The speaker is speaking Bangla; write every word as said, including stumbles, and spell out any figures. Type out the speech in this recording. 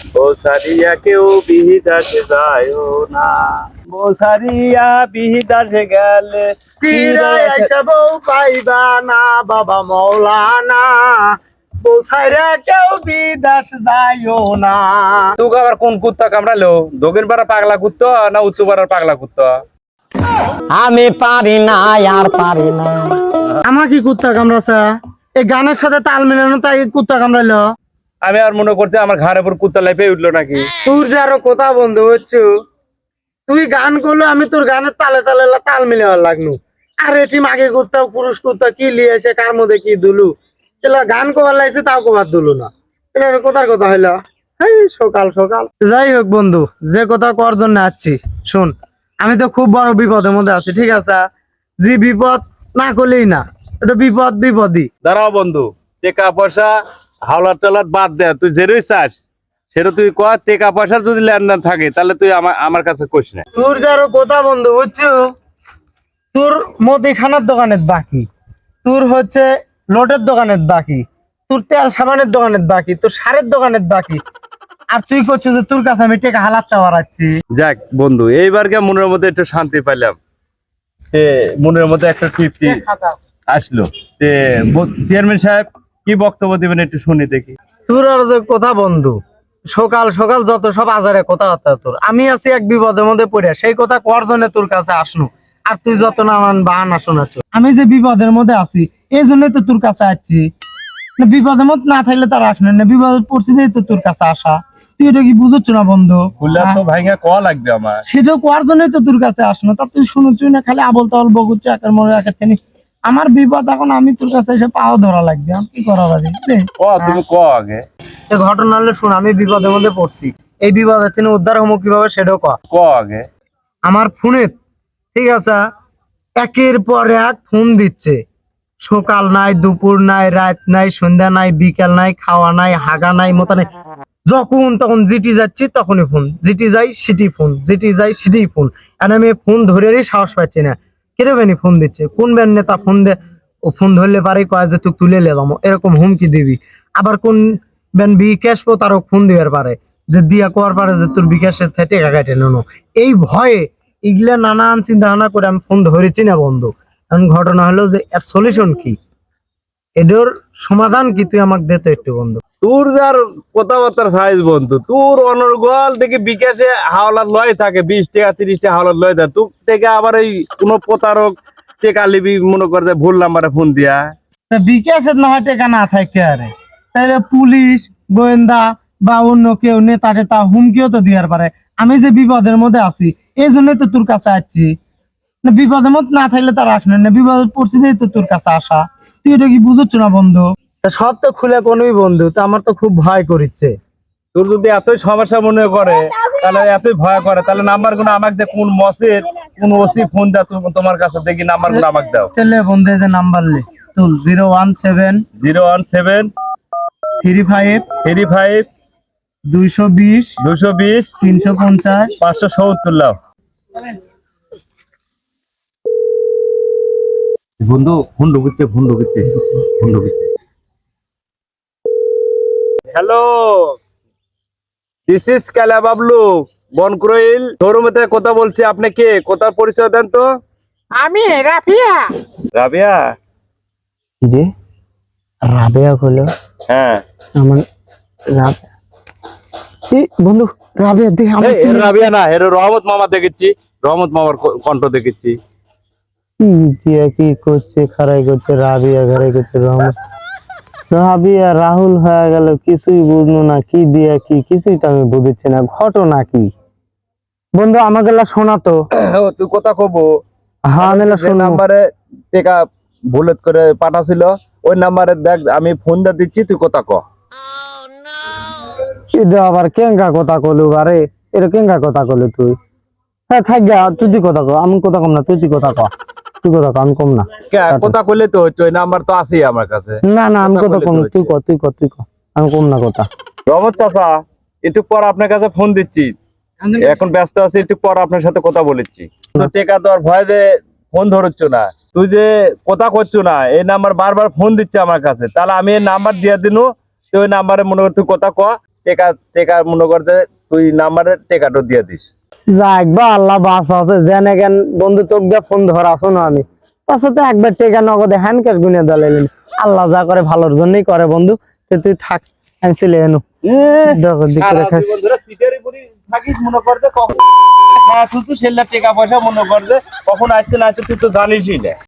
বসারিয়া কেউ বিহিদাসে যায় না, বসারিয়া বিহিদাসে গেলে ফিরে এসব পাইবা না বাবা মৌলানা, বসাইরা কেউ বিদেশ যাইও না। তোকে আবার কোন কুত্তা কামড়ালো? দক্ষিণ পাড়ার পাগলা কুত্তা না উত্তর পাড়ার পাগলা কুত্তা? আমি পারি না আর পারি না। আমার কি কুত্তা কামড়াছে? এই গানের সাথে তাল মিলানো তাই কুত্তা কামড়াইলো। আমি আর মনে করছি আমার ঘাড়ের উপর কুত্তা লাইফে উঠলো নাকি। তোর যে আরো কথা বন্ধু হচ্ছু, তুই গান করলো আমি তোর গানের তালে তালে তাল মিলাবার লাগনু। আর এটি মাগে কুত্তা পুরুষ কুত্তা কি লিয়ে এসে কার মধ্যে কি দুলু, সেটা গান কবার লাগছে তাও কবার দুলু না। এটা কোথার কথা হইলো? এই সকাল সকাল। যাই হোক বন্ধু, যে কথা কর জন্য আসছি শোন, আমি তো খুব বড় বিপদের মধ্যে আছি, ঠিক আছে? যে বিপদ না করলেই না, এটা বিপদ বিপদই। দাঁড়াও বন্ধু, টাকা পয়সা হাওলার টালার বাদ দে, তুই যেরই চাস সেটা তুই ক। টাকা পয়সার যদি লেনদেন থাকে তাহলে তুই আমার আমার কাছে কইস না। তোর যারো কথা বন্ধু বুঝছো, তোর মুদিখানার দোকানের বাকি, তোর হচ্ছে লোটের দোকানের বাকি, তোর তেল সাবানের দোকানের বাকি, তোর সারের দোকানের বাকি, আর তুই করছিস যে তোর কাছে আমি টাকা হালাত চাওয়াচ্ছি। যাক বন্ধু, এইবারকে মনের মধ্যে একটু শান্তি পাইলাম, তে মনের মধ্যে একটা তৃপ্তি আসলো। তে চেয়ারম্যান সাহেব কি বক্তব্য দিবেন একটু শুনি দেখি। তোর আর যে কথা বন্ধু, সকাল সকাল যত সব আজারে কথা হতো তোর, আমি আছি এক বিপদের মধ্যে পড়ে, সেই কথা কর জন্য তোর কাছে আসনু, আর তুই যত নানান বাহানা শোনাচ্ছ। আমি যে বিপদের মধ্যে আছি এই জন্যই তো তোর কাছে আসছি, বিপদের মধ্যে না থাকলে তার আসনে না, বিপদ পরিস্থিতি তো তোর কাছে আসা। তুই এটা কি বুঝছ না বন্ধু? খুললা তো ভাইঙ্গা ক লাগবে আমার, সেটাও করার জন্যই তো তোর কাছে আসনো, তা তুই শুনুচ্ছ না, খালি আবল তাবল বকুচ্ছ একের মনে একের থেকে। আমার বিপদ এখন, আমি তোর কাছে এসে পাও ধরা লাগবে, আমি কি করা পারি? ক তুমি ক আগে। ঘটনা হলে শুন, আমি বিপদের মধ্যে পড়ছি, এই বিপদের থেকে উদ্ধার হবো কিভাবে সেটাও ক। ক আগে। আমার ফোনে, ঠিক আছে, একের পর এক ফোন দিচ্ছে, সকাল নাই, দুপুর নাই, রাত নাই, সন্ধ্যা নাই, বিকেল নাই, খাওয়া নাই, হাগা নাই, মতো নাই, যখন তখন জিটি যাচ্ছি তখনই ফোন, জিটি যাই সিটি ফোন, জিটি যাই সিটি ফোন। আর আমি ফোন ধরেরই সাহস পাচ্ছি না, কেন বেনি ফোন দিচ্ছে, কোন ব্যান নেতা ফোন দে, ও ফোন ধরলে পারে কয় যে তুই তুলে লেলাম, এরকম হুমকি দিবি। আবার কোন ব্যান বিকাশ পো তারও ফোন দিবার পারে, যে দিয়া কোয়ার পারে যে তোর বিকাশের থেকে টাকা কাটে নেনো। এই ভয়ে এগুলা নানান চিন্তা ভাবনা করে আমি ফোন ধরেছি না বন্ধু। এখন ঘটনা হলো যে এর সলিউশন কি, এটার সমাধান কি, তুই আমাকে দে তো একটু বন্ধু। তোর যার কথাবার্তার সাইজ বন্ধু, তোর অনর্গল থেকে বিকাশে হাওলাত লয় থাকে, বিশ টাকা তিরিশ টাকা হাওলাত লয় থাকে, তোর থেকে আবার এই কোন প্রতারক টেকা লিবি মনে করে ভুল নাম্বারে ফোন দিয়া। বিকাশের না হয় টাকা না থাকে, আরে তাহলে পুলিশ গোয়েন্দা বা অন্য কেউ নেতা টেতা হুমকিও তো দেওয়ার পারে। আমি যে বিপদের মধ্যে আছি এই জন্যই তো তোর কাছে আসছি, না বিপদের মধ্যে না থাকলে তার আসবে না, বিপদ পরিস্থিতি তো তোর কাছে আসা। তুই এটা কি বুঝছ না বন্ধু? সব তো খুলে কোনই বন্ধু, তো আমার তো খুব ভয় করিচ্ছে। তোর যদি এতই সমস্যা মনে করে, তাহলে এতই ভয় করে, তাহলে নাম্বার গুলো আমাকে দে, কোন মসের কোন ওসি ফোন দা তোমার কাছে, দেখি নাম্বার গুলো আমাকে দাও। তাহলে বন্ধু যে নাম্বার লে তুল, zero one seven zero one seven three five three five দুইশো বিশ দুশো বিশ তিনশো পঞ্চাশ পাঁচশো সত্তর লাও। বন্ধু ফোন ঢুকছে, ফোন ঢুকছে, ফোন ঢুকছে। হ্যালো, দিস ইজ কালা বাবলু বনক্রোইল শোরুম থেকে কথা বলছি। আপনি কে? কোথার পরিচয় দেন তো। আমি রাফিয়া। রাবিয়া? যে রাবেয়া হলো, হ্যাঁ আমার রাবেয়া। এই বন্ধু রাবেয়া দেখ, আমার এই, এর রাবিয়া না, এর রহমত মামা দেখেছি, রহমত মামার ক- কণ্ঠ দেখেছি। কি দিয়া কি করছে, খারাই করছে, রাবিয়া খারাই করছে, রহমত রাবিয়া রাহুল হয়ে গেল, কিছুই বুঝলো না, কি দিয়া কি কিছুই তো আমি বুঝছি না, ঘটনা কি বন্ধু আমাকে শোনা তো। ও তুই কথা কব, হ্যাঁ আমি যে শুনবো। নাম্বারে টেকা বুলেট করে পাঠাছিল ওই নাম্বারে দেখ, আমি ফোন দিয়ে দিচ্ছি, তুই কথা ক। এটা আবার কেঙ্গা কথা কলু, আরে এটা কেঙ্গা কথা কলু তুই? হ্যাঁ থাক গা, তুই তুই কথা ক, আমি কথা কম না, তুই তুই কথা ক, তুই কথা ক, আমি কম না। কে কথা কইলে তো হচ্ছে, ওই নাম্বার তো আছেই আমার কাছে। না না আমি কথা কথা কম, বললে তো তুই ক তুই ক তুই ক, আমি কম না কথা। রহমত চাচা, একটু পর আপনার কাছে ফোন দিচ্ছি, এখন ব্যস্ত আছি, একটু পর আপনার সাথে কথা বলেছি। তো টেকা তো আর ভয় যে ফোন ধরছ না, তুই যে কথা করছো না, এই নাম্বার বারবার ফোন দিচ্ছে আমার কাছে, তাহলে আমি এই নাম্বার দিয়ে দিনু, তুই ওই নাম্বারে মনে কর তুই কথা ক, টেকা টেকা মনে করতে তুই নাম্বারে টেকাটা দিয়ে দিস। যাক বা আল্লাহ বাস আছে জেনে কেন বন্ধু তোকে দিয়ে ফোন ধরা আসো না আমি তার সাথে একবার টেকা নগদে হ্যান্ড ক্যাশ গুনে দাঁড়াইলেন আল্লাহ যা করে ভালোর জন্যই করে বন্ধু তো তুই থাক আমি চলে এনো দেখো দিকে সারা রাখাস জীবন ধরে সিটারি পুরি থাকিস মনে করতে কখন খাওয়া শুধু সেল্লা টেকা পয়সা মনে করতে কখন আসছে না আসছে তুই তো জানিসই না।